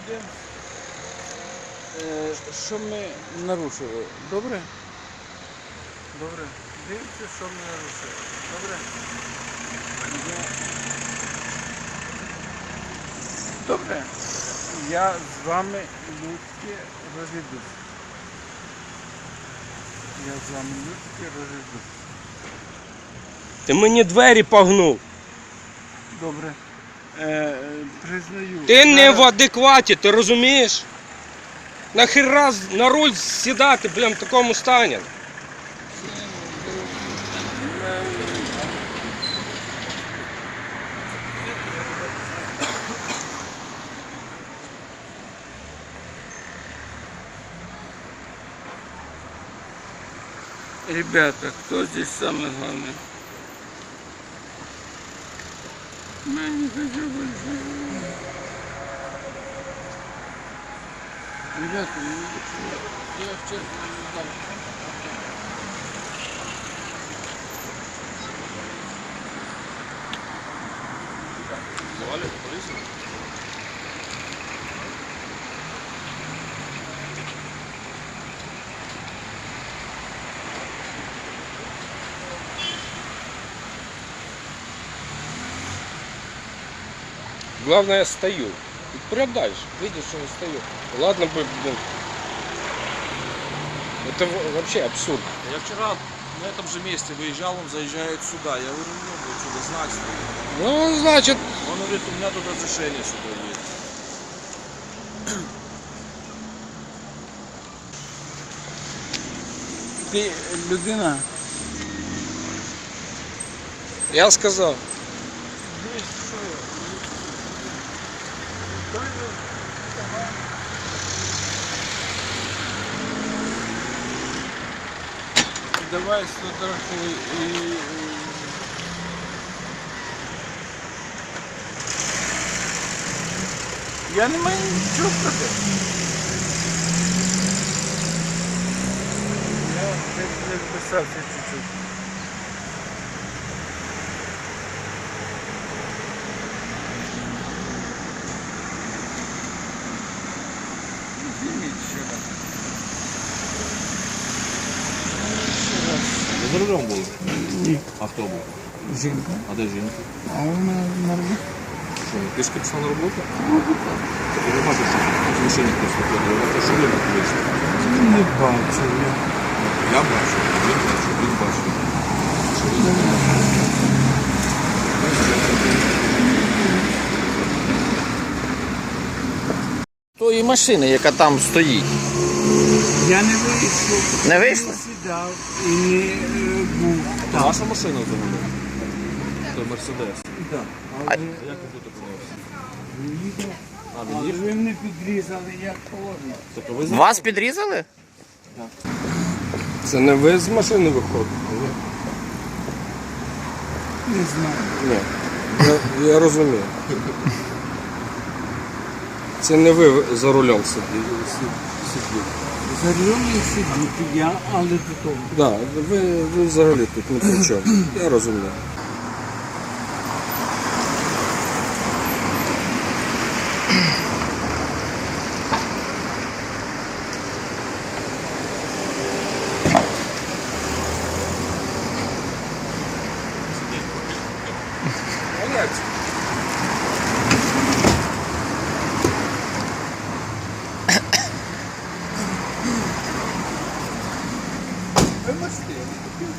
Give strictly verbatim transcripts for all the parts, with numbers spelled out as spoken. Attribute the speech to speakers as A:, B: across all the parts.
A: подивимось, що ми нарушили. Добре? Добре. Дивіться, що ми нарушили. Добре? Добре. Я з вами людськи розійдусь. Я з вами людськи розійдусь.
B: Ти мені двері погнув.
A: Добре. Е, признаю.
B: Ти не
A: Зараз-
B: в адекваті, ти розумієш? Нахера на руль сідати, блін, в такому стані?
A: Ребята, кто здесь самый главный? Я не хочу больше. Ребята, я, я честно не знаю.
B: Звали поліцію? Главное, я стою. И прям дальше. Видишь, что я стою. Ладно бы, блин. Это в- вообще абсурд.
C: Я вчера на этом же месте выезжал, он заезжает сюда. Я говорю, ну, будет сюда знак стоит.
B: Ну, значит,
C: Он говорит, у меня тут разрешение сюда есть.
A: Ти людина.
B: я сказал.
A: Давай сфотографуй і... Я не маю нічого проти. Я десь не вписався чуть-чуть. Зніміть ще раз. Ще раз.
C: Ви за рулем були?
A: Ні.
C: А хто був?
A: Жінка.
C: А де жінка?
A: А вона на роботі.
C: Що, пішки пішла на роботу? Так я не бачу, що в машині хтось виходив. Ви що ви вийшли?
A: Не бачу я.
C: Я бачу, він бачив, він бачив.
D: Тої машини, яка там стоїть.
A: Я не вийшов.
D: Не вийшли?
A: Не сідав і не е, був
C: Це
A: там.
C: ваша машина взагалі? Це Мерседес.
A: Так.
D: А-
A: Але
C: Як ви тут опинилися?
A: їхав.
C: А,
A: Але
C: він їхав?
A: ви мене підрізали, як положено.
C: Тобто ви
D: Вас підрізали?
B: Це не ви з машини виходите?
A: Не знаю.
B: Ні. Я, я розумію. Це не ви за рулем сиділи. сиділи.
A: За рулем не сидіти я, але до того.
B: Да, ви, ви взагалі тут не при чому. Я розумію. А як це?
A: Ви можете, я не хотів.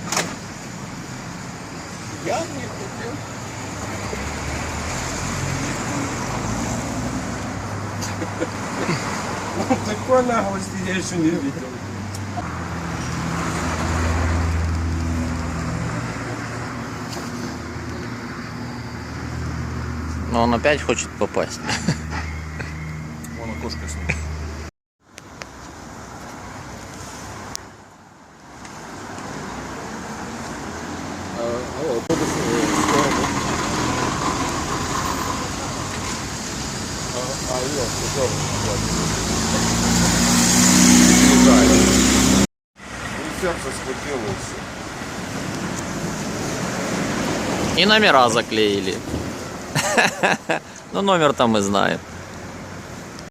A: Я не хотів.
B: Такой наглости я еще не видел.
D: Но он опять хочет попасть.
C: Вон окошко снимает.
B: Алло, кто справа? А, алло, пожалуйста. Сердце схватило все.
D: И номера заклеили. Ну номер там мы знаем.